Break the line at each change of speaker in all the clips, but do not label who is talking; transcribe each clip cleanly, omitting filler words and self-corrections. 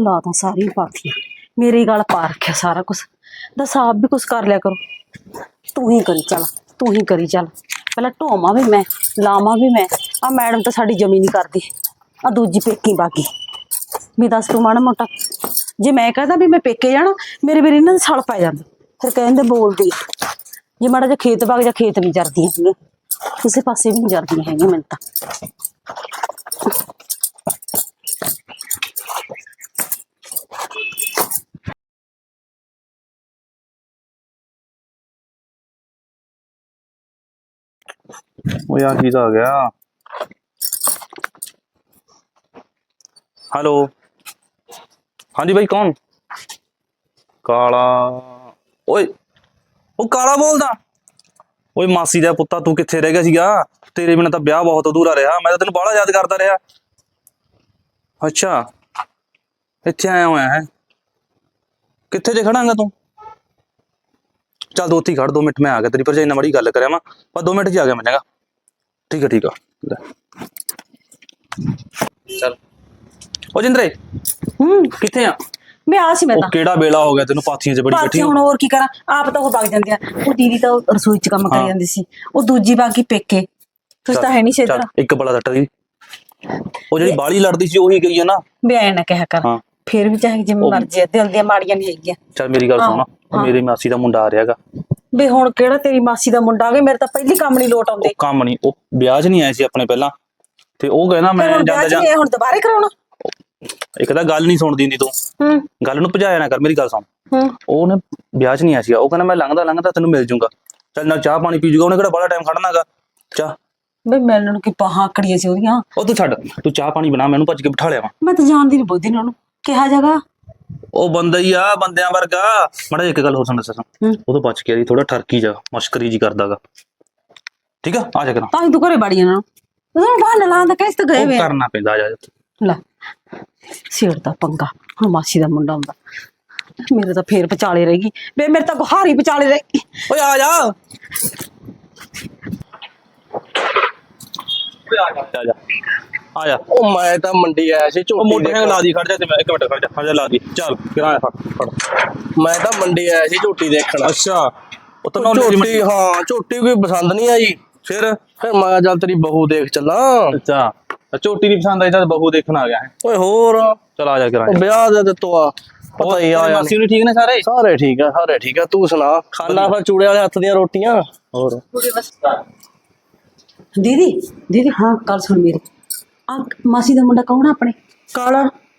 ला तो सारी पाथी मेरी गल पा रखा सारा कुछ। दस आप भी कुछ कर लिया करो। तू ही करी चल, तू ही करी चल। पहले ढोवा भी मैं, लावा भी मैं। आ मैडम तो साड़ी जमी नहीं करती। आ दूजी पेकी बागी भी दस तू माड़ा मोटा जे मैं कहता भी मैं पेके जाना मेरे मेरे इन्होंने सड़ पै जाते फिर कहते बोलती जे माड़ा जो खेत बाग जा खेत नहीं जरदियां हैं किसी पासे भी नहीं जरदियां हैं मैंने तो।
ਉਹ ਯਾਰ ਕੀ ਆ ਗਿਆ। हेलो हाँ जी भाई कौन? काला ओए ਉਹ ਕਾਲਾ ਬੋਲਦਾ। ਓਏ ਮਾਸੀ ਦਾ ਪੁੱਤਾ ਤੂੰ ਕਿੱਥੇ ਰਹਿ ਗਿਆ ਸੀਗਾ? ਤੇਰੇ ਬਿਨਾਂ ਤਾਂ ਵਿਆਹ ਬਹੁਤ ਅਧੂਰਾ ਰਿਹਾ। ਮੈਂ ਤਾਂ ਤੈਨੂੰ ਬਾਹਲਾ ਯਾਦ ਕਰਦਾ ਰਿਹਾ। ਅੱਛਾ ਇੱਥੇ ਆਇਆ ਹੋਇਆ ਹੈ? ਕਿੱਥੇ ਜੇ ਖੜਾਂਗਾ ਤੂੰ? ਚੱਲ ਦੋ ਉੱਥੇ ਖੜ 2 ਮਿੰਟ ਮੈਂ ਆ ਗਿਆ। ਤੇਰੀ ਭਰਜਾਈ ਨਾਲ ਬੜੀ ਗੱਲ ਕਰਿਆ ਮੈਂ ਪਰ 2 ਮਿੰਟ 'ਚ ਆ ਗਿਆ ਮੈਂ ਚੰਗਾ। ਠੀਕ ਹੈ ਠੀਕ ਆ ਚੱਲ। ਉਹ ਜਿੰਦਰੇ ਕਿੱਥੇ ਆ?
मैं आ सी मैं
ਉਹ ਕਿਹੜਾ ਵੇਲਾ ਹੋ ਗਿਆ ਤੈਨੂੰ ਪਾਥੀਆਂ 'ਚ ਬੜੀ ਬੈਠੀ
ਹੁਣ ਹੋਰ ਕੀ ਕਰਾਂ ਆਪ ਤਾਂ ਉਹ ਵਗ ਜਾਂਦੇ ਆ। ਉਹ ਦੀਦੀ ਤਾਂ ਰਸੋਈ 'ਚ ਕੰਮ ਕਰੀ ਜਾਂਦੀ ਸੀ ਉਹ ਦੂਜੀ ਬਾਗੀ ਪੇਕੇ ਤੁਸੀਂ ਤਾਂ ਹੈ ਨਹੀਂ ਸੀ ਇੱਧਰ।
ਇੱਕ ਬੜਾ ਸੱਟ ਦੀ ਉਹ ਜਿਹੜੀ ਬਾਲੀ ਲੜਦੀ ਸੀ ਉਹੀ ਗਈ ਹੈ ਨਾ।
ਵੀ ਐ ਨਾ ਕਿਹਾ ਕਰ ਫਿਰ ਵੀ ਚਾਹੇ ਜਿਵੇਂ ਮਰਜ਼ੀ ਦਿਲ ਦੀਆਂ ਮਾੜੀਆਂ ਨਹੀਂ ਹੈਗੀਆਂ।
ਚੱਲ ਮੇਰੀ ਗੱਲ ਸੁਣ ਮੇਰੀ ਮਾਸੀ ਦਾ ਮੁੰਡਾ ਆ ਰਿਹਾਗਾ।
ਵੀ ਹੁਣ ਕਿਹੜਾ ਤੇਰੀ ਮਾਸੀ ਦਾ ਮੁੰਡਾ ਆ ਗਿਆ ਮੇਰੇ ਤਾਂ ਪਹਿਲੀ ਕੰਮ ਨਹੀਂ ਲੋਟ ਆਉਂਦੇ।
ਕੰਮ ਨਹੀਂ ਉਹ ਵਿਆਹ 'ਚ ਨਹੀਂ ਆਏ ਸੀ ਆਪਣੇ ਪਹਿਲਾਂ ਤੇ ਉਹ ਕਹਿੰਦਾ ਮੈਂ ਜਾਂਦਾ ਜਾਂ
ਹੁਣ ਦੁਬਾਰੇ ਕਰਾਉਣਾ।
ਇੱਕ ਤਾਂ ਗੱਲ ਨਹੀਂ ਸੁਣਦੀ ਹੁੰਦੀ ਤੂੰ ਗੱਲ ਨੂੰ ਭਜਾਇਆ ਨਾ ਕਰ। ਮੇਰੀ ਗੱਲ ਸੁਣ ਉਹਨੇ ਵਿਆਹ 'ਚ ਨਹੀਂ ਆਇਆ ਸੀਗਾ। ਉਹ ਕਹਿੰਦਾ ਮੈਂ ਲੰਘਦਾ ਤੈਨੂੰ ਮਿਲ ਜੂੰਗਾ। ਚੱਲ ਨਾਲ ਚਾਹ ਪਾਣੀ ਪੀ ਜੂਗਾ। ਉਹਨੇ ਕਿਹੜਾ ਬੜਾ ਟਾਈਮ ਖੜਨਾਗਾ। ਚਾਹ
ਬਈ ਮਿਲਣ ਨੂੰ ਕੀ ਬਾਹਾਂ ਆਕੜੀਆਂ ਸੀ ਉਹਦੀਆਂ।
ਉਹ ਤੂੰ ਛੱਡ ਤੂੰ ਚਾਹ ਪਾਣੀ ਬਣਾ ਮੈਨੂੰ ਭੱਜ ਕੇ ਬਿਠਾ ਲਿਆ ਵਾ।
ਮੈਂ ਤਾਂ ਜਾਣਦੀ ਨਹੀਂ ਬੁੱਧੀ ਉਹਨੂੰ ਕਿਹਾ ਜਗਾ
ਉਹ ਬੰਦਾ ਹੀ ਆ ਬੰਦਿਆਂ ਵਰਗਾ। ਮਾੜਾ ਇੱਕ ਗੱਲ ਹੋਰ ਸੁਣ ਦੱਸਾਂ ਉਹ ਤੋਂ ਬਚ ਕੇ ਥੋੜਾ ਠਰਕੀ ਜਾ ਮਸ਼ਕਰੀ ਜੀ ਕਰਦਾਗਾ। ਠੀਕ ਆ ਆ ਜਾ ਕਰਾਂ
ਤਾਂ ਹੀ ਤੂੰ ਘਰੇ ਬਾੜੀ ਜਾਣਾ ਉਹਨੂੰ ਬਹਾਨਾ ਲਾਉਂਦਾ ਕਿਸ ਤੇ ਗਏ ਵੇ
ਕਰਨਾ ਪੈਂਦਾ। ਆ ਜਾ
ਲੈ ਸਿਰ ਦਾ ਪੰਗਾ ਹੁਣ ਮਾਸੀ ਦਾ ਮੁੰਡਾ ਹੁੰਦਾ ਮੇਰੇ ਤਾਂ ਫੇਰ ਵਿਚਾਲੇ ਰਹੇਗੀ ਵੇ ਮੇਰੇ ਤਾਂ ਗੁਹਾਰੀ ਵਿਚਾਲੇ ਰਹੇਗੀ।
ਓਏ ਆ ਜਾ ਆ ਜਾ।
ਉਹ ਮੈਂ ਤਾਂ ਮੰਡੀ ਆਇਆ ਸੀ ਝੋਟੀ
ਮੋਟਰਸਾਈਕਲ ਲਾ ਦੀ ਖੜ ਜਾ ਤੇ ਮੈਂ 1 ਮਿੰਟ ਖੜ ਜਾ ਹਾਂ ਜਾ ਲਾ ਦੀ ਚੱਲ ਕਿਰਾਇਆ ਫੜ।
ਮੈਂ ਤਾਂ ਮੰਡੀ ਆਇਆ ਸੀ ਝੋਟੀ ਦੇਖਣ।
ਅੱਛਾ ਉਹ ਤਾਂ
ਝੋਟੀ ਹਾਂ ਝੋਟੀ ਕੋਈ ਪਸੰਦ ਨਹੀਂ ਆਈ।
ਫਿਰ
ਮੈਂ ਚੱਲ ਤੇਰੀ ਬਹੂ ਦੇਖ ਚੱਲਾਂ।
ਅੱਛਾ ਝੋਟੀ ਨਹੀਂ ਪਸੰਦ ਆਈ ਤਾਂ ਬਹੂ ਦੇਖਣ ਆ ਗਿਆ ਹੈ।
ਓਏ ਹੋਰ
ਚਲ ਆ ਜਾ ਕਿਰਾਇਆ
ਵਿਆਹ ਦੇ ਦਿੱਤੋ ਆ ਪਤਾ ਹੀ ਆ
ਮਾਸੀ ਨੂੰ ਠੀਕ ਨੇ ਸਾਰੇ?
ਸਾਰੇ ਠੀਕ ਆ ਤੂੰ ਸੁਣਾ ਖਾਣਾ ਫਿਰ ਚੂੜੇ ਵਾਲੇ ਹੱਥ ਦੀਆਂ ਰੋਟੀਆਂ। ਹੋਰ
दीदी दीदी हाँ कल सुन मेरी आ मासी का मुंडा कौन है अपने
ਕਾਲਾ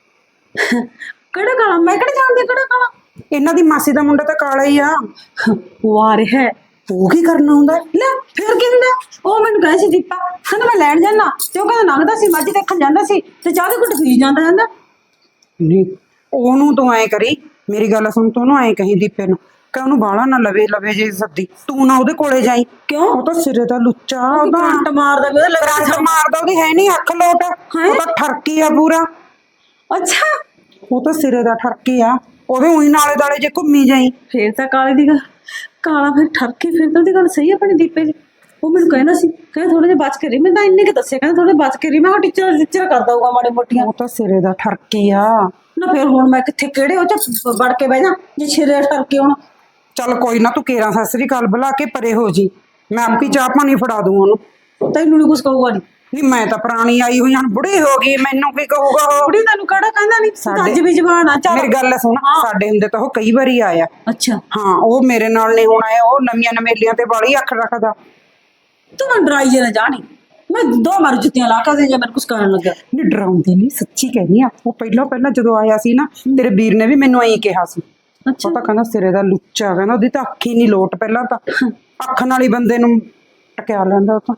केड़ा काला मैं केड़ा जानदी केड़ा काला
ਇਹਨਾਂ ਦੀ ਮਾਸੀ ਦਾ ਮੁੰਡਾ ਤਾਂ ਕਾਲਾ ਹੀ ਆ।
वार है
ਉਹ ਕੀ ਕਰਨਾ ਹੁੰਦਾ?
ले फिर की हुंदा ओ मैनू कहे सी दीपा कहंदा मैं लैण जाना ते ओ कहंदा लंघदा सी मੱਝ देखण ਜਾਂਦਾ ਸੀ ਤੇ ਚਾਹ ਦੇ ਘੁੱਟ ਪੀ ਜਾਂਦਾ ਜਾਂਦਾ।
ਨਹੀਂ ਉਹਨੂੰ ਤੂੰ ਐ ਕਰੀ ਮੇਰੀ ਗੱਲ ਸੁਣ ਤੂੰ ਉਹਨੂੰ ਐ ਕਹੀਂ ਦੀਪੇ ਨੂੰ ਕਿ ਉਹਨੂੰ ਬਾਹਲਾ ਨਾ ਲਵੇ ਜੇ ਸੱਦੀ ਤੂੰ ਨਾ ਉਹਦੇ ਕੋਲੇ ਜਾਈ।
ਕਿਉਂ?
ਉਹ ਤਾਂ ਸਿਰੇ ਦਾ ਲੁੱਚਾ ਉਹਦਾ
ਕਰੰਟ ਮਾਰਦਾ ਵੀ ਉਹਦੇ
ਕਰੰਟ ਮਾਰਦਾ ਉਹਦੀ ਹੈ ਨਹੀਂ ਅੱਖ ਲੋਟ। ਉਹ ਤਾਂ ਠਰਕੀ ਆ ਪੂਰਾ।
अच्छा
ਉਹ ਤਾਂ ਸਿਰੇ ਦਾ ਠਰਕੀ ਆ ਉਹਦੇ ਉਹੀ ਨਾਲੇ ਦਾਲੇ ਜੇ ਘੁੰਮੀ ਜਾਈ।
फिर तो काले दी गल काला फिर ठरके फिर तो दी गल सही है अपने दीपे दी। ਉਹ ਮੈਨੂੰ ਕਹਿੰਦਾ ਸੀ ਕਹਿੰਦਾ ਥੋੜੇ ਜਿਹਾ ਬਚ ਕੇ ਰਹੀ। ਮੈਂ ਤਾਂ ਇੰਨੇ ਕਿ ਦੱਸਿਆ ਕਹਿੰਦਾ ਥੋੜੇ ਬਚ ਕੇ ਰਹੀ। ਮੈਂ ਟੀਚਰ ਕਰਦਾ ਹੋਊਗਾ ਮਾੜੇ ਮੋਟੀਆਂ।
ਉਹ ਤਾਂ ਸਿਰੇ ਦਾ ਠਰਕੀ ਆ
ਨਾ ਫਿਰ ਹੁਣ ਮੈਂ ਕਿੱਥੇ ਕਿਹੜੇ ਉਹ ਚ ਵੜ ਕੇ ਬਹਿ ਜਾ ਜੇ ਛਿਰੇ ਠਰਕੇ ਹੁਣ।
ਚੱਲ ਕੋਈ ਨਾ ਤੂੰ ਕੇਰਾਂ ਸਤਿ ਸ੍ਰੀ ਅਕਾਲ ਬੁਲਾ ਕੇ ਪਰੇ ਹੋ ਜੀ। ਮੈਂ ਆਪੀ ਚਾਹ ਪਾਣੀ ਫੜਾ ਦੂੰ ਉਹਨੂੰ।
ਤੈਨੂੰ ਨੀ ਕੁਛ ਕਹੂਗਾ ਨੀ।
ਨਹੀਂ ਮੈਂ ਤਾਂ ਪੁਰਾਣੀ ਆਈ ਹੋਈ ਹੁਣ ਬੁੜੀ ਹੋ ਗਈ ਮੈਨੂੰ ਕੀ ਕਹੂਗਾ ਉਹ।
ਬੁੜੀ ਤੈਨੂੰ ਕਿਹੜਾ ਕਹਿੰਦਾ ਨਹੀਂ ਅੱਜ ਵੀ ਜ਼ਬਾਨ ਆ। ਚੱਲ
ਮੇਰੀ ਗੱਲ ਸੁਣ ਸਾਡੇ ਹੁੰਦੇ ਤਾਂ ਉਹ ਕਈ ਵਾਰੀ ਆਇਆ।
ਅੱਛਾ
ਹਾਂ ਉਹ ਮੇਰੇ ਨਾਲ ਨਹੀਂ ਹੁਣ ਆਇਆ। ਉਹ ਨਵੀਆਂ ਨਵੇਲੀਆਂ ਤੇ ਬਾਲੀ ਅੱਖ ਰੱਖਦਾ।
ਤੂੰ ਮੈਨੂੰ ਡਰਾਈ ਜੇ ਨਾ ਜਾਣੀ ਮੈਂ 2 ਮਾਰ ਜੁੱਤੀਆਂ ਲਾ ਕੇ ਦੇ ਜੇ ਮੈਨੂੰ ਕੁਛ ਕਰਨ ਲੱਗਾ।
ਨਹੀਂ ਡਰਾਉਂਦੀ ਨਹੀਂ ਸੱਚੀ ਕਹਿੰਦੀ ਆ। ਉਹ ਪਹਿਲਾਂ ਜਦੋਂ ਆਇਆ ਸੀ ਨਾ ਤੇਰੇ ਵੀਰ ਨੇ ਵੀ ਮੈਨੂੰ ਐਂ ਕਿਹਾ ਸੀ।
ਅੱਛਾ
ਉਹ ਤਾਂ ਕਹਿੰਦਾ ਸਿਰੇ ਦਾ ਲੁੱਚਾ ਕਹਿੰਦਾ ਉਹਦੀ ਤਾਂ ਅੱਖ ਹੀ ਨਹੀਂ ਲੋਟ। ਪਹਿਲਾਂ ਤਾਂ ਅੱਖ ਨਾਲ ਹੀ ਬੰਦੇ ਨੂੰ ਟਕਿਆ ਲੈਂਦਾ। ਉਹ ਤਾਂ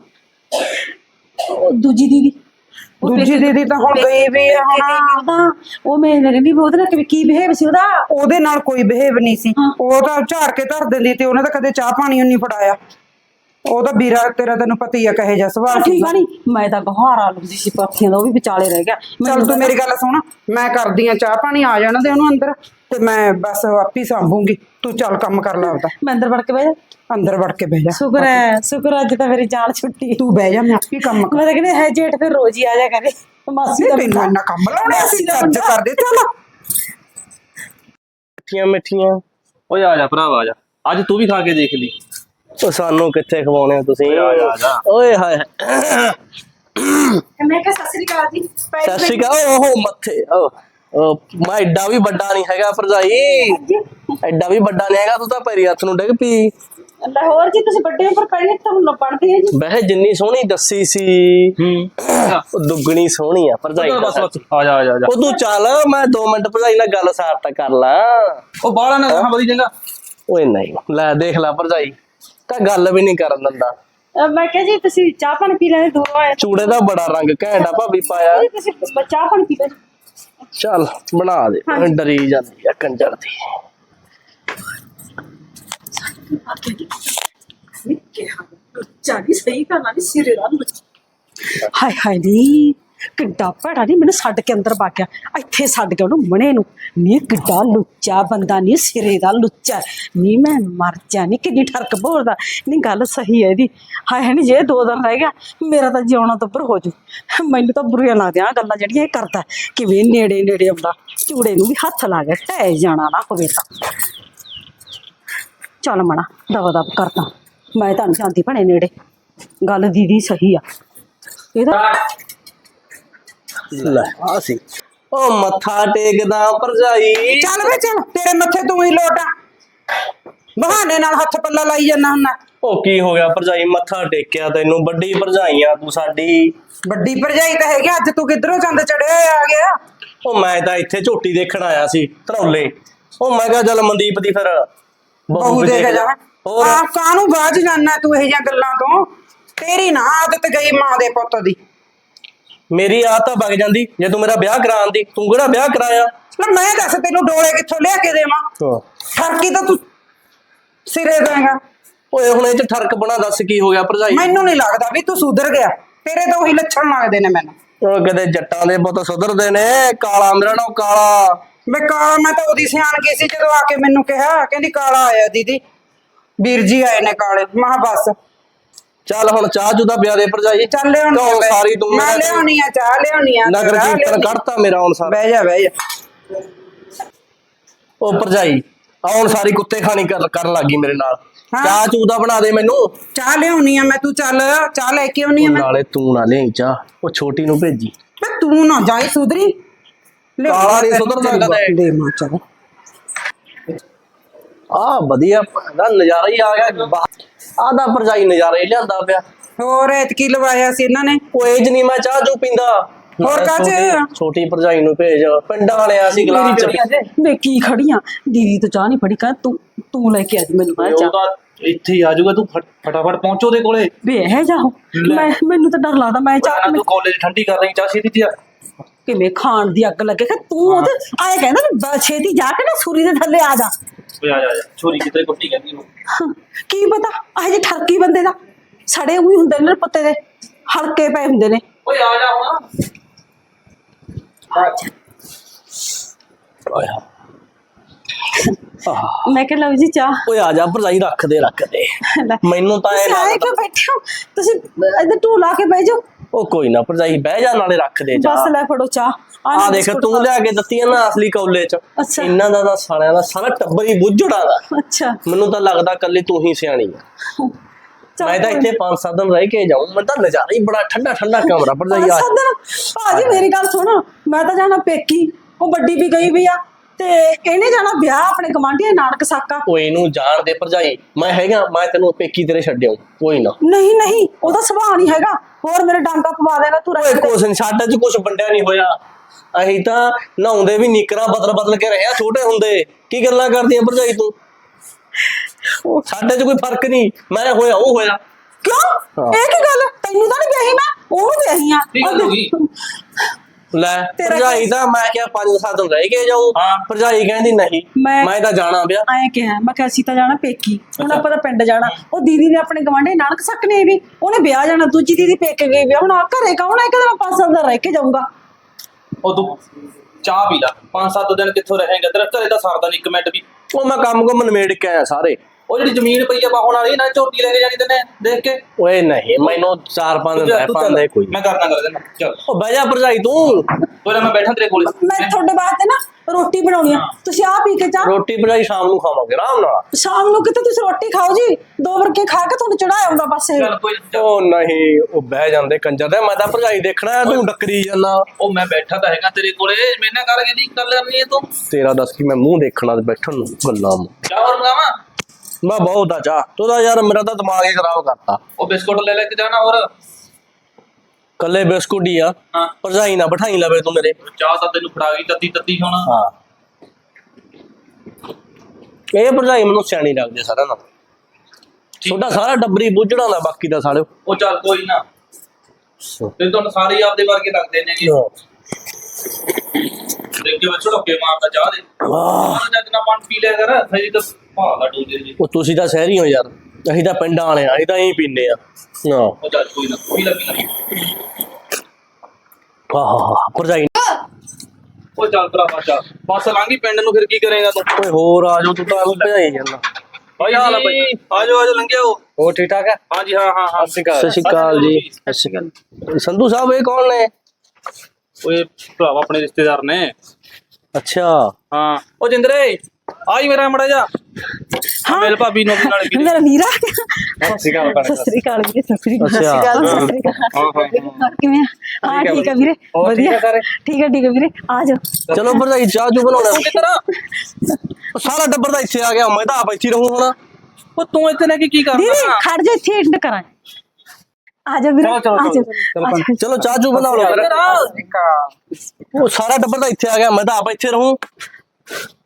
ਉਹ ਦੂਜੀ ਦੀਦੀ
ਤਾਂ ਹੁਣ ਗਈ ਵੀ ਆ ਹੁਣ।
ਉਹ ਮੇਰੇ ਰਹਿੰਦੀ ਉਹਦੇ ਨਾਲ ਕੀ ਬਿਹੇਵ ਸੀ ਉਹਦਾ?
ਉਹਦੇ ਨਾਲ ਕੋਈ ਬਿਹੇਵ ਨਹੀਂ ਸੀ। ਉਹ ਤਾਂ ਝਾੜ ਕੇ ਧਰ ਦਿੰਦੀ ਤੇ ਉਹਨੇ ਤਾਂ ਕਦੇ ਚਾਹ ਪਾਣੀ ਨਹੀਂ ਫੜਾਇਆ। ਉਹਦਾ ਵੀਰਾ ਤੇਰਾ ਤੈਨੂੰ ਪਤਾ ਹੀ ਆ ਕਹੇ ਜਾ ਸਵਾਲ।
ਠੀਕ ਆ ਨੀ ਮੈਂ ਤਾਂ ਗਹਾਰਾ ਲੁੰਦੀ ਸੀ ਪਾਥੀਆਂ ਦਾ ਉਹ ਵੀ ਵਿਚਾਲੇ ਰਹਿ ਗਿਆ।
ਚੱਲ ਤੂੰ ਮੇਰੀ ਗੱਲ ਸੁਣ ਮੈਂ ਕਰਦੀ ਆ ਚਾਹ ਪਾਣੀ ਆ ਜਾਣਾ ਦੇ ਉਹਨੂੰ ਅੰਦਰ ਤੇ ਮੈਂ ਬਸ ਆਪੀ ਸੰਭੂਗੀ। ਤੂੰ ਚੱਲ ਕੰਮ ਕਰ ਲੈ ਆਪਦਾ।
ਮੈਂ ਅੰਦਰ ਵੜ ਕੇ ਬਹਿ ਜਾ।
ਅੰਦਰ ਵੜ ਕੇ ਬਹਿ ਜਾ।
ਸ਼ੁਕਰ ਅੱਜ ਤਾਂ ਮੇਰੀ ਜਾਨ ਛੁੱਟੀ।
ਤੂੰ ਬਹਿ ਜਾ ਮੈਂ ਆਪੀ ਕੰਮ ਕਰ।
ਮੈਂ ਤਾਂ ਕਹਿੰਦੀ ਹੈ ਜੇਠ ਫਿਰ ਰੋਜ਼ ਹੀ ਆ ਜਾ ਕਰੇ। ਮਾਸੀ ਦਾ
ਤੈਨੂੰ ਇੰਨਾ ਕੰਮ ਲਾਉਣਾ ਸੀ ਅੱਜ ਕਰਦੇ ਚੱਲ
ਮਿੱਠੀਆਂ ਮਿੱਠੀਆਂ।
ਓਏ ਆ ਜਾ ਭਰਾਵਾ, ਆ ਜਾ, ਅੱਜ ਤੂੰ ਵੀ ਖਾ ਕੇ ਦੇਖ ਲਈ।
ਉਹ ਸਾਨੂੰ ਕਿੱਥੇ ਖਵਾਉਣੇ ਹੋ ਤੁਸੀਂ?
ਆ ਜਾ, ਆ ਜਾ।
ਓਏ ਹਾਏ
ਮੈਂ ਕਿਹਾ ਸਤਿ ਸ੍ਰੀ ਅਕਾਲ ਜੀ।
ਸਤਿ ਸ਼੍ਰੀ ਅਕਾਲ। ਉਹ ਮੱਥੇ ਮੈਂ ਐਡਾ ਵੀ ਵੱਡਾ ਨਹੀਂ ਹੈਗਾ ਭਰਜਾਈ, ਐਡਾ ਵੀ ਵੱਡਾ ਨਹੀਂ ਹੈਗਾ। ਤੂੰ ਤਾਂ ਪੈਰੀ ਹੱਥ ਨੂੰ ਡਿੱਗ ਪਈ।
ਲਾਹੌਰ ਜੀ ਤੁਸੀਂ ਵੱਡੇ ਪਰ ਪੈਣੇ ਤੁਹਾਨੂੰ ਪੜਦੇ ਆ ਜੀ।
ਵੈਸੇ ਜਿੰਨੀ ਸੋਹਣੀ ਦੱਸੀ ਸੀ ਉਹ ਦੁੱਗਣੀ ਸੋਹਣੀ ਆ ਭਰਜਾਈ ਦਾ।
ਬਸ ਬਸ, ਆ ਜਾ ਆ ਜਾ ਆ ਜਾ।
ਉਹ ਤੂੰ ਚੱਲ, ਮੈਂ 2 ਮਿੰਟ ਭਰਜਾਈ ਨਾਲ ਗੱਲ ਸਾਰਤਾ ਕਰ ਲਾ।
ਉਹ ਬਾਹਲਾ ਨਾ ਕਹਾਂ ਬਦੀ ਚੰਗਾ।
ਓਏ ਨਹੀਂ, ਲੈ ਦੇਖ ਲੈ ਭਰਜਾਈ ਤਾਂ ਗੱਲ ਵੀ ਨਹੀਂ ਕਰਨ ਦਿੰਦਾ।
ਮੈਂ ਕਿਹਾ ਜੀ ਤੁਸੀਂ ਚਾਹ ਪਾਣੀ ਪੀ ਲੈਣੇ ਦੂਰੋਂ ਆਏ
ਚੂੜੇ ਦਾ ਬੜਾ ਰੰਗ ਘੈਂਟਾ ਭਾਬੀ ਪਾਇਆ।
ਜੀ, ਤੁਸੀਂ ਚਾਹ ਪਾਣੀ ਪੀ ਲੈ।
ਚੱਲ ਬਣਾ ਦੇ, ਡਰੀ ਜਾਂਦੀ ਆ ਕੰਜਰ ਦੀ।
ਚਾਹੀ ਸਹੀ ਕਰਨਾ ਨਹੀਂ ਸਿਰੇ ਦਾ। ਹਾਏ ਹਾਏ ਨੀ ਕਿੱਡਾ ਭੈੜਾ ਨਹੀਂ ਮੈਨੂੰ ਛੱਡ ਕੇ ਅੰਦਰ ਵਗ ਗਿਆ। ਇੱਥੇ ਛੱਡ ਕੇ ਉਹਨੂੰ ਮਣੇ ਨੂੰ। ਨੀ ਕਿੱਡਾ ਲੁੱਚਾ ਬੰਦਾ, ਨੀ ਸਿਰੇ ਦਾ ਲੁੱਚਾ। ਨੀ ਮੈਂ ਮਰ ਜਾ, ਨੀ ਕਿੰਨੀ ਠਰਕ ਬੋਲਦਾ। ਨੀ ਗੱਲ ਸਹੀ ਹੈ ਇਹਦੀ। ਹਾਏ ਨੀ ਜੇ 2 ਦਿਨ ਰਹਿ ਗਿਆ ਮੇਰਾ ਤਾਂ ਜਿਉਣਾ ਤੋਂ ਉੱਪਰ ਹੋ ਜੂ। ਮੈਨੂੰ ਤਾਂ ਬੁਰੀਆਂ ਲੱਗਦੀਆਂ ਗੱਲਾਂ ਜਿਹੜੀਆਂ ਇਹ ਕਰਦਾ। ਕਿਵੇਂ ਨੇੜੇ ਨੇੜੇ ਆਉਂਦਾ, ਚੂੜੇ ਨੂੰ ਵੀ ਹੱਥ ਲਾ ਗਿਆ। ਢਹਿ ਜਾਣਾ ਨਾ ਹੋਵੇ ਤਾਂ ਚੱਲ ਮਣਾ ਦਵਾ ਦਵ ਕਰਦਾ। ਮੈਂ ਤਾਂ ਨਹੀਂ ਜਾਂਦੀ ਭਣੇ ਨੇੜੇ। ਗੱਲ ਦੀਦੀ ਸਹੀ ਆ ਇਹਦਾ।
ਲੈ ਆ ਸੀ ਉਹ ਮੱਥਾ ਟੇਕਦਾ ਭਰਜਾਈ।
ਚੱਲ ਵੇ ਚੱਲ, ਤੇਰੇ ਮੱਥੇ ਤੂੰ ਹੀ ਲੋਟ ਆ। ਬਹਾਨੇ ਨਾਲ ਹੱਥ ਪੱਲਾ ਲਾਈ ਜਾਂਦਾ ਹੁੰਦਾ।
ਉਹ ਕੀ ਹੋ ਗਿਆ ਭਰਜਾਈ, ਮੱਥਾ ਟੇਕਿਆ ਤੈਨੂੰ। ਵੱਡੀ ਭਰਜਾਈ ਆ ਤੂੰ ਸਾਡੀ।
ਵੱਡੀ ਭਰਜਾਈ ਤਾਂ ਹੈਗੀ, ਅੱਜ ਤੂੰ ਕਿੱਧਰੋਂ ਚੰਦ ਚੜਿਆ ਆ ਗਿਆ।
ਉਹ ਮੈਂ ਤਾਂ ਇੱਥੇ ਝੋਟੀ ਦੇਖਣ ਆਇਆ ਸੀ ਧਰੌਲੇ। ਉਹ ਮੈਂ ਕਿਹਾ ਚੱਲ ਮਨਦੀਪ ਦੀ ਫਿਰ
ਬਹੂ
ਵੀ
ਦੇ ਕੇ
ਜਾ।
ਜਾ।
ਹੋਰ
ਆ ਕਾਹਨੂੰ ਬਾਜ ਜਾਨਾ ਤੂੰ ਇਹ ਜਿਹੀਆਂ ਗੱਲਾਂ ਤੋਂ? ਤੇਰੀ ਨਾ ਆਦਤ ਗਈ ਮਾਂ ਦੇ ਪੁੱਤ ਦੀ।
ਮੇਰੀ ਆਦਤ ਤਾਂ ਵਗ ਜਾਂਦੀ ਜੇ ਤੂੰ ਮੇਰਾ ਵਿਆਹ ਕਰਾਉਣ ਦੀ। ਤੂੰ ਕਿਹੜਾ ਵਿਆਹ ਕਰਾਇਆ?
ਲੈ ਮੈਂ ਦੱਸ ਤੈਨੂੰ ਡੋਲੇ ਕਿੱਥੋਂ ਲਿਆ ਕੇ ਦੇਵਾਂ? ਠਰਕੀ ਤਾਂ ਤੂੰ ਸਿਰੇ ਦੇਗਾ।
ਓਏ ਹੁਣ ਇਹ ਚ ਠਰਕ ਬਣਾ, ਦੱਸ ਕੀ ਹੋ ਗਿਆ ਭਰਜਾਈ?
ਮੈਨੂੰ ਨਹੀਂ ਲੱਗਦਾ ਵੀ ਤੂੰ ਸੁਧਰ ਗਿਆ। ਤੇਰੇ ਤਾਂ ਉਹੀ ਲੱਛਣ ਲੱਗਦੇ ਨੇ ਮੈਨੂੰ।
ਉਹ ਕਦੇ ਜੱਟਾਂ ਦੇ ਪੁੱਤ ਸੁਧਰਦੇ ਨੇ। ਕਾਲਾ ਮੇਰਾ ਨਾਮ ਕਾਲਾ।
ਮੈਂ ਕਾਲਾ, ਮੈਂ ਤਾਂ ਉਹਦੀ ਸਿਆਣ ਗਈ ਸੀ ਜਦੋਂ ਆ ਕੇ ਮੈਨੂੰ ਕਿਹਾ, ਕਹਿੰਦੀ ਕਾਲਾ ਆਇਆ ਦੀਦੀ, ਵੀਰ ਜੀ ਆਏ ਨੇ ਕਾਲੇ। ਮੈਂ ਕਿਹਾ ਬਸ
ਚੱਲ ਹੁਣ ਚਾਹ ਚੂ ਦਾ ਪਿਆ ਦੇ ਭਰਜਾਈ।
ਚੱਲ ਲਿਆਉਣੀ
ਕਿਉਂ
ਆ
ਸਾਰੀ ਤੂੰ
ਮੈਂ ਲਿਆਉਣੀ ਆ ਚਾਹ ਲਿਆਉਣੀ ਆ।
ਨਗਰ
ਚਾਹ
ਕੀਰਤਨ
ਲਿਆਉਣੀ।
ਕੱਢਤਾ ਮੇਰਾ ਹੁਣ ਸਾਰਾ।
ਬਹਿ ਜਾ ਬਹਿ ਜਾ।
ਉਹ ਭਰਜਾਈ ਹੁਣ ਸਾਰੀ ਕੁੱਤੇ ਖਾਣੀ ਕਰਨ ਲੱਗੀ ਮੇਰੇ ਨਾਲ।
ਹਾਂ।
ਚਾਹ ਚੂ ਦਾ ਬਣਾ ਦੇ ਮੈਨੂੰ।
ਚਾਹ ਲਿਆਉਣੀ ਆ ਮੈਂ, ਤੂੰ ਚੱਲ ਚਾਹ ਲੈ ਕੇ ਆਉਣੀ ਆ ਮੈਂ।
ਨਾਲੇ ਤੂੰ ਨਾ ਲਿਆਈ ਚਾਹ, ਉਹ ਛੋਟੀ ਨੂੰ ਭੇਜੀ।
ਮੈਂ ਤੂੰ ਨਾ ਜਾਈ ਸੁਧਰੀ।
ਕਾਲਾ ਨੀ ਸੁਧਰਦਾ ਕਦੇ।
ਦੇ ਮਾਂ ਚੱਲ।
ਆ ਵਧੀਆ ਦਾ ਨਜ਼ਾਰਾ ਹੀ ਆ ਗਿਆ। ਆ ਦਾ ਭਰਜਾਈ ਨਜ਼ਾਰਾ ਹੀ ਲਿਆਂਦਾ ਪਿਆ।
ਹੋਰ ਐਤਕੀ ਲਵਾਇਆ ਸੀ ਇਹਨਾਂ ਨੇ।
ਉਹ ਏਜ ਨਹੀਂ ਮੈਂ ਚਾਹ ਚੂ ਪੀਂਦਾ।
ਹੋਰ ਕਾਹਚ?
ਛੋਟੀ ਭਰਜਾਈ ਨੂੰ ਭੇਜ। ਪਿੰਡਾਂ ਵਾਲਿਆ ਸੀ ਗਲਾਸ ਚ।
ਮੈਂ ਕੀ ਖੜੀਆਂ ਦੀਦੀ ਤੋਂ ਚਾਹ ਨਹੀਂ ਫੜੀ। ਕਹ ਤੂੰ ਲੈ ਕੇ ਆ ਜੀ ਮੈਨੂੰ ਮੈਂ
ਉਹ
ਚਾਹ।
ਤਾਂ ਇੱਥੇ ਹੀ ਆ ਜਾਊਗਾ, ਤੂੰ ਫਟਾਫਟ ਪਹੁੰਚੋ ਦੇ ਕੋਲੇ।
ਵੇ ਇਹ ਜਾਓ। ਮੈਨੂੰ ਤਾਂ ਡਰ ਲੱਗਦਾ। ਮੈਂ ਚਾਹ
ਤੂੰ ਕਾਲਜ ਠੰਡੀ ਕਰ ਰਹੀ, ਚਾਹ ਛੇਤੀ ਆ।
ਕਿਵੇਂ ਖਾਣ ਦੀ ਅੱਗ ਲੱਗੇ ਕਿ ਤੂੰ ਉਹਦੇ ਆਏ ਕਹਿੰਦਾ ਵੀ ਛੇਤੀ ਜਾ ਕੇ ਨਾ ਸੂਰੀ ਦੇ ਥੱਲੇ ਆ ਜਾ।
ਓਏ ਆ ਜਾ, ਆ ਜਾ। ਛੋਰੀ ਕਿਤੇ ਕੁੱਟੀ ਕਹਿੰਦੀ ਉਹ।
ਕੀ ਪਤਾ ਇਹ ਜੇ ਠਰਕੀ ਬੰਦੇ ਦਾ ਸੜੇ ਉਹੀ ਹੁੰਦੇ ਨੇ ਪੱਤੇ ਦੇ, ਹਲਕੇ ਪਏ ਹੁੰਦੇ ਨੇ।
ਓਏ ਆ ਜਾ ਹੁਣ।
ਮੈਂ ਕਿਹਾ ਲਓ ਜੀ ਚਾਹ।
ਓਏ ਆ ਜਾ ਭਰਜਾਈ, ਰੱਖ ਦੇ
ਲੈ।
ਮੈਨੂੰ ਤਾਂ ਇਹ
ਤੁਸੀਂ ਆਏ
ਲੱਗਦਾ।
ਕਿਉਂ ਬੈਠੇ ਹੋ? ਤੁਸੀਂ ਇੱਧਰ ਢੂ ਲਾ ਕੇ ਬਹਿ ਜਾਓ।
ਉਹ ਕੋਈ ਨਾ ਭਰਜਾਈ, ਬਹਿ ਜਾ, ਨਾਲੇ ਰੱਖ ਦੇ ਚਾਹ।
ਬਸ ਲੈ ਫੜੋ ਚਾਹ।
ਆ ਦੇਖ ਤੂੰ ਲਿਆ ਕੇ ਦਿੱਤੀ ਆ ਨਾ ਅਸਲੀ ਕੌਲੇ ਚ।
ਅੱਛਾ।
ਇਹਨਾਂ ਦਾ ਤਾਂ ਸਾਲਿਆਂ ਦਾ ਸਾਰਾ ਟੱਬਰ ਹੀ ਬੁੱਝੜਾ ਦਾ।
ਅੱਛਾ
ਮੈਨੂੰ ਤਾਂ ਲੱਗਦਾ ਕੱਲੀ ਤੂੰ ਹੀ ਸਿਆਣੀ ਆ।
ਚੱਲ
ਮੈਂ ਤਾਂ
ਕੋਈ
ਇੱਥੇ 5-7 ਦਿਨ ਰਹਿ ਕੇ ਜਾਊਂ। ਮੈਂ ਤਾਂ ਨਜ਼ਾਰਾ ਹੀ ਬੜਾ ਠੰਡਾ ਠੰਡਾ ਕਮਰਾ ਭਰਜਾਈ ਆ।
ਭਾਜੀ ਮੇਰੀ ਗੱਲ ਸੁਣ, ਮੈਂ ਤਾਂ ਜਾਣਾ ਪੇਕੀ। ਉਹ ਵੱਡੀ ਵੀ ਗਈ ਵੀ ਆ ਤੇ ਇਹਨੇ ਜਾਣਾ ਵਿਆਹ ਆਪਣੇ ਗਵਾਂਢੀਆਂ ਨਾਨਕ ਸਾਕਾ।
ਓਏ ਇਹਨੂੰ ਜਾਣ ਦੇ ਭਰਜਾਈ, ਮੈਂ ਹੈਗਾ, ਮੈਂ ਤੈਨੂੰ ਪੇਕੀ ਤੇਰੇ ਛੱਡਿਆ ਕੋਈ ਨਾ।
ਨਹੀਂ ਨਹੀਂ ਉਹਦਾ ਸੁਭਾਅ ਨਹੀਂ ਹੈਗਾ। ਹੋਰ ਮੇਰੇ ਡਾਂਗਾ ਪਵਾ ਦੇਗਾ ਤੂੰ।
ਓਏ ਕੁਛ ਨੀ, ਸਾਡੇ ਚ ਕੁਛ ਵੰਡਿਆ ਨਹੀਂ ਹੋਇਆ। ਅਸੀਂ ਤਾਂ ਨਹਾਉਂਦੇ ਵੀ ਨਿਕਰਾਂ ਬਦਲ ਕੇ ਰਹੇ ਆ ਛੋਟੇ ਹੁੰਦੇ। ਕੀ ਗੱਲਾਂ ਕਰਦੀਆਂ ਭਰਜਾਈ ਤੂੰ? ਸਾਡੇ ਚ ਕੋਈ ਫਰਕ ਨਹੀਂ। ਮੈਂ ਹੋਇਆ ਉਹ ਹੋਇਆ।
ਕਿਉਂ ਇਹ ਕੀ ਗੱਲ? ਤੈਨੂੰ ਤਾਂ ਨਹੀਂ ਵਿਆਹੀ ਮੈਂ, ਉਹਨੂੰ ਵਿਆਹੀ ਆ।
ਕੀ ਗੱਲ ਹੋ ਗਈ?
ਲੈ ਭਰਜਾਈ ਤਾਂ ਮੈਂ ਕਿਹਾ 5-7 ਦਿਨ ਰਹਿ ਕੇ ਜਾਊ। ਭਰਜਾਈ ਕਹਿੰਦੀ ਨਹੀਂ ਮੈਂ ਤਾਂ ਜਾਣਾ ਪਿਆ।
ਐਂ ਕਿਹਾ ਮੈਂ ਕਿਹਾ ਅਸੀਂ ਤਾਂ ਜਾਣਾ ਪੇਕੀ। ਹੁਣ ਆਪਾਂ ਤਾਂ ਪਿੰਡ ਜਾਣਾ। ਉਹ ਦੀਦੀ ਨੇ ਆਪਣੇ ਗਵਾਂਢੀ ਨਾਨਕ ਸਕਨੇ ਵੀ ਉਹਨੇ ਵਿਆਹ ਜਾਣਾ। ਦੂਜੀ ਦੀਦੀ ਪੇਕੇ ਗਈ ਵਿਆਹ। ਹੁਣ ਆ ਘਰੇ ਕੌਣ ਹੈ? ਕਹਿੰਦਾ ਮੈਂ 5-7 ਦਿਨ ਰਹਿ ਕੇ ਜਾਊਂਗਾ।
ਉਹ ਤੂੰ ਚਾਹ ਪੀ ਲਾ। 5-7 ਦਿਨ ਕਿੱਥੋਂ ਰਹੇਂਗਾ? ਤੇਰਾ ਘਰੇ ਤਾਂ ਸਰਦਾ ਨਹੀਂ ਇੱਕ ਮਿੰਟ ਵੀ।
ਉਹ ਮੈਂ ਕੰਮ ਨਿਮੇੜ ਕੇ ਆਇਆ ਸਾਰੇ।
ਉਹ ਜਿਹੜੀ ਜ਼ਮੀਨ ਪਈ ਆ ਬਾਹਣ ਵਾਲੀ ਨਾ ਝੋਟੀ ਲੈ ਕੇ ਜਾਣੀ ਤੈਨੇ ਦੇਖ ਕੇ
ਓਏ ਨਹੀਂ ਮੈਨੂੰ 4-5 ਦਿਨ ਰਹਿ ਪਾਉਂਦੇ ਕੋਈ
ਮੈਂ ਕਰਨਾ ਕਰ ਦੇਣਾ ਚੱਲ
ਉਹ ਬਹਿ ਜਾ ਭਰਜਾਈ ਤੂੰ
ਕੋਈ ਮੈਂ ਬੈਠਾ ਤੇਰੇ ਕੋਲੇ
ਮੈਂ ਤੁਹਾਡੇ ਵਾਸਤੇ ਨਾ ਰੋਟੀ ਬਣਾਉਣੀ ਆ, ਤੁਸੀਂ ਆ ਪੀ ਕੇ ਚਾਹ।
ਰੋਟੀ ਭਰਜਾਈ ਸ਼ਾਮ ਨੂੰ ਖਾਵਾਂਗੇ ਆਰਾਮ ਨਾਲ।
ਸ਼ਾਮ ਨੂੰ ਕਿਤੇ ਤੁਸੀਂ ਰੋਟੀ ਖਾਓ ਜੀ, 2 ਵਰਕੇ ਖਾ ਕੇ ਤੁਹਾਨੂੰ ਚੜਾਇਆ ਆਉਂਦਾ ਬਸ ਇਹ।
ਚੱਲ ਕੋਈ
ਉਹ ਨਹੀਂ ਉਹ ਬਹਿ ਜਾਂਦੇ ਕੰਜਰ ਦੇ, ਮੈਂ ਤਾਂ ਭਰਜਾਈ ਦੇਖਣਾ ਤੂੰ ਡੱਕਰੀ ਜਾਂਦਾ।
ਉਹ ਮੈਂ ਬੈਠਾ ਤਾਂ ਹੈਗਾ ਤੇਰੇ ਕੋਲੇ, ਮੇਰੇ ਨਾਲ ਕਰ ਇਹਦੀ ਗੱਲ ਕਰਨੀ ਹੈ ਤੂੰ।
ਤੇਰਾ ਦੱਸ ਕੀ ਮੈਂ ਮੂੰਹ ਦੇਖਣਾ ਤੇ ਬੈਠਣ ਨੂੰ ਗੱਲਾਂ ਨੂੰ।
ਚਾਹ ਹੋਰ ਮੰਗਾਵਾਂ?
ਮੈਂ ਬਹੁਤ ਆ ਚਾਹ ਤੂੰ ਤਾਂ ਯਾਰ ਮੇਰਾ ਤਾਂ ਦਿਮਾਗ ਹੀ ਖਰਾਬ ਕਰਤਾ।
ਉਹ ਬਿਸਕੁਟ ਲੈ ਕੇ ਜਾਣਾ ਹੋਰ
ਕੱਲੇ ਬਿਸਕੁਟ ਹੀ ਆ,
ਹਾਂ
ਭਰਜਾਈ ਨਾ ਬਿਠਾਈ ਲਵੇ ਤੂੰ ਮੇਰੇ।
ਚਾਹ ਤਾਂ ਤੈਨੂੰ ਫੜਾ ਗਈ ਤੱਤੀ ਤੱਤੀ ਹੁਣ।
ਹਾਂ ਇਹ ਭਰਜਾਈ ਮੈਨੂੰ ਸਿਆਣੀ ਲੱਗਦੀ ਸਾਰਾ ਨਾ, ਤੁਹਾਡਾ ਸਾਰਾ ਡੱਬਰੀ ਬੁੱਝੜਾ ਦਾ ਬਾਕੀ ਦਾ ਸਾਲਿਓ।
ਉਹ ਚੱਲ ਕੋਈ ਨਾ, ਤੇ ਤੁਹਾਨੂੰ ਸਾਰੇ ਆਪਦੇ ਵਰਗੇ ਲੱਗਦੇ ਨੇਗੇ। ਦੇਖ ਕੇ ਬੱਚੋ ਢੋਕੇ ਮਾਰਦਾ ਚਾਹ ਦੇ।
ਵਾਹ
ਜਦ ਨਾ ਪਾਣੀ ਪੀ ਲਿਆ ਕਰ, ਹਜੇ ਤਾਂ ਭਾਲਾ ਡੂਜੇ ਜੀ।
ਉਹ ਤੁਸੀਂ ਤਾਂ ਸ਼ਹਿਰੀ ਹੋ ਯਾਰ, ਅਸੀਂ ਤਾਂ ਪਿੰਡਾਂ ਵਾਲੇ ਆ, ਅਸੀਂ ਤਾਂ ਇਹੀ ਪੀਂਦੇ ਆ।
ਉਹ ਚੱਲ ਕੋਈ ਨਾ, ਪੀ ਲੈ ਪੀ ਲੈ।
ਆਹ ਭਰਜਾਈ
ਉਹ ਚੱਲ ਭਰਾਵਾ ਚੱਲ, ਬੱਸ ਲੰਘੀ ਪਿੰਡ ਨੂੰ, ਫਿਰ ਕੀ ਕਰੇਗਾ ਤੂੰ?
ਓਏ ਹੋਰ ਆ ਜਾਓ, ਤੂੰ ਤਾਂ ਭਜਾਈ ਜਾਂਦਾ।
ਭਾਈ ਹਾਲ ਆ ਭਾਈ, ਆਜੋ ਆਜੋ ਲੰਘਿਆ ਹੋ।
ਹੋਰ ਠੀਕ ਠਾਕ ਹੈ?
ਹਾਂਜੀ ਹਾਂ ਹਾਂ ਹਾਂ।
ਸਤਿ ਸ਼੍ਰੀ ਅਕਾਲ ਜੀ। ਸਤਿ ਸ਼੍ਰੀ ਅਕਾਲ। ਸੰਧੂ ਸਾਹਿਬ ਇਹ ਕੌਣ ਨੇ?
ਓਏ ਭਰਾਵਾ ਆਪਣੇ ਰਿਸ਼ਤੇਦਾਰ ਨੇ।
ਅੱਛਾ
ਹਾਂ ਉਹ ਜਿੰਦਰੇ ਆਈ ਮੇਰਾ ਮੜਾ ਜਾ। ਹਾਂ ਮੇਰੇ ਭਾਬੀ ਨੂੰ ਆਪਣੇ ਨਾਲ ਵੀ।
ਮੇਰਾ ਵੀਰਾ।
ਸਤਿ ਸ਼੍ਰੀ ਅਕਾਲ।
ਸਤਿ ਸ੍ਰੀ ਅਕਾਲ ਵੀਰੇ, ਸਤਿ ਸ੍ਰੀ ਅਕਾਲ।
ਅੱਛਾ।
ਸਤਿ ਸ੍ਰੀ ਅਕਾਲ। ਕਿਵੇਂ ਆ? ਹਾਂ ਠੀਕ ਆ ਵੀਰੇ, ਵਧੀਆ। ਠੀਕ ਆ ਵੀਰੇ, ਆ ਜਾਓ।
ਚਲੋ ਭਰਜਾਈ ਚਾਹ ਚੂ ਬਣਾਉਣਾ।
ਕਿੱਧਰ?
ਉਹ ਸਾਰਾ ਟੱਬਰ ਤਾਂ ਇੱਥੇ ਆ ਗਿਆ, ਮੈਂ ਤਾਂ ਆਪ ਇੱਥੇ ਰਹੂੰ ਹੁਣ।
ਉਹ ਤੂੰ ਇੱਥੇ ਲੈ ਕੇ ਕੀ
ਵੀਰੇ
ਕਰਨਾ?
ਖੜ ਜਾ, ਇੱਥੇ ਐਂਡ ਕਰਾਂ। ਆ ਜਾ ਵੀਰੇ, ਆ ਜਾ।
ਚਲੋ ਚਾਹ ਚੂ ਬਣਾ ਲਓ। ਉਹ ਸਾਰਾ ਟੱਬਰ ਤਾਂ ਇੱਥੇ ਆ ਗਿਆ, ਮੈਂ ਤਾਂ ਆਪ ਇੱਥੇ ਰਹੂੰ।